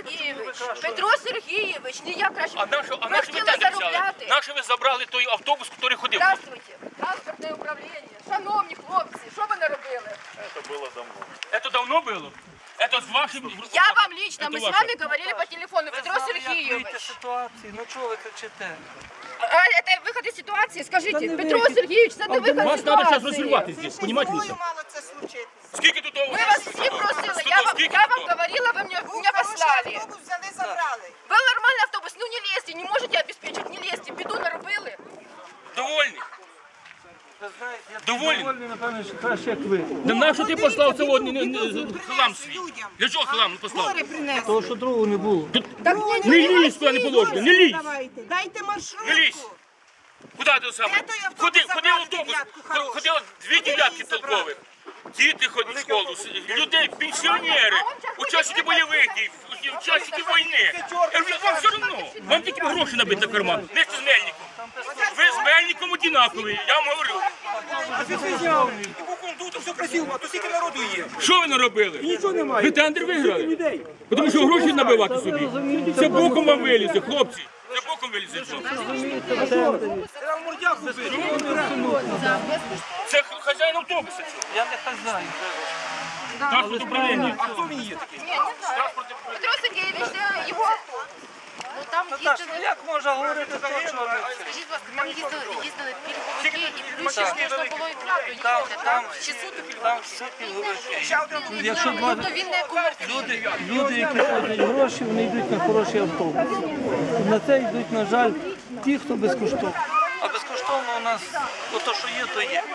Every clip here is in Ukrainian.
Сергійович, Петро Сергійович, не я краще. А наші ви тендер взяли? Наші ви забрали той автобус, який ходив? Здравствуйте, транспортне управління. Шановні хлопці, що ви наробили? Це було давно. Це давно було? Это с вашим... Я вам лично, мы с вами говорили по телефону, Петро Сергійович. Ситуації, ну чого ви кричите? Это выход из ситуации, скажите, Петро Сергійович, це не виход Вас з треба зараз ситуації. розірвати здесь, понимаете? мало це случитися. Скільки тут... Мы вас все просили, я вам говорила, вы меня послали. Автобус взяли, забрали. Был нормальный автобус, ну не лезьте, не можете обеспечить, не лезьте, біду наробили. Довольні? Ви знаєте, я Довольні? довольний, напевно, що краще, як ви. Да на що ти послав сьогодні хлам свій? Для чого хлам не послав? Того, що другого не було. Не лізь, куди не положено, не лізь! Дайте маршрутку. Не лізь! Куди ти саме? Ходив автобус, ходило 2 дев'ятки толкових. Діти ходять в школу, людей, пенсіонери, учасники бойових дій, учасники війни. Вам все одно, вам тільки гроші набити на карман, не з Мельником. Ви з Мельником однакові, я вам говорю. А ти це зняв. Тут все красиво, а то скільки народу є. Що ви наробили? Нічого немає. Ви тендер виграли? Людей. Тому що гроші набивати собі. Це боком вам вилізе, хлопці. Це боком вилізе. Треба мордяку бити. Це хазяїн автобуса. Я не хазяїн. Транспорт управління. А хто він є такий? Петро Сергійович, це його автобус. Ну там Наташ, їздили, ну як можна говорити про що це? скажіть, будь ласка, там їздили пільговики, і плюс ще можна було і правду їхати. Там Чи суд там все пільговики. Ще один. Якщо два тобто він не комерційний. люди, які платять гроші, вони йдуть на хороші автобуси. На це йдуть, на жаль, ті, хто безкоштовно. А безкоштовно у нас, то що є, то є.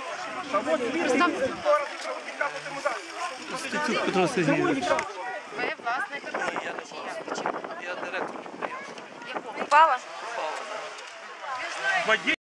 Стецюк Петро Сергійович. Ви власник Я директор підприємства. якого? Упала? Водій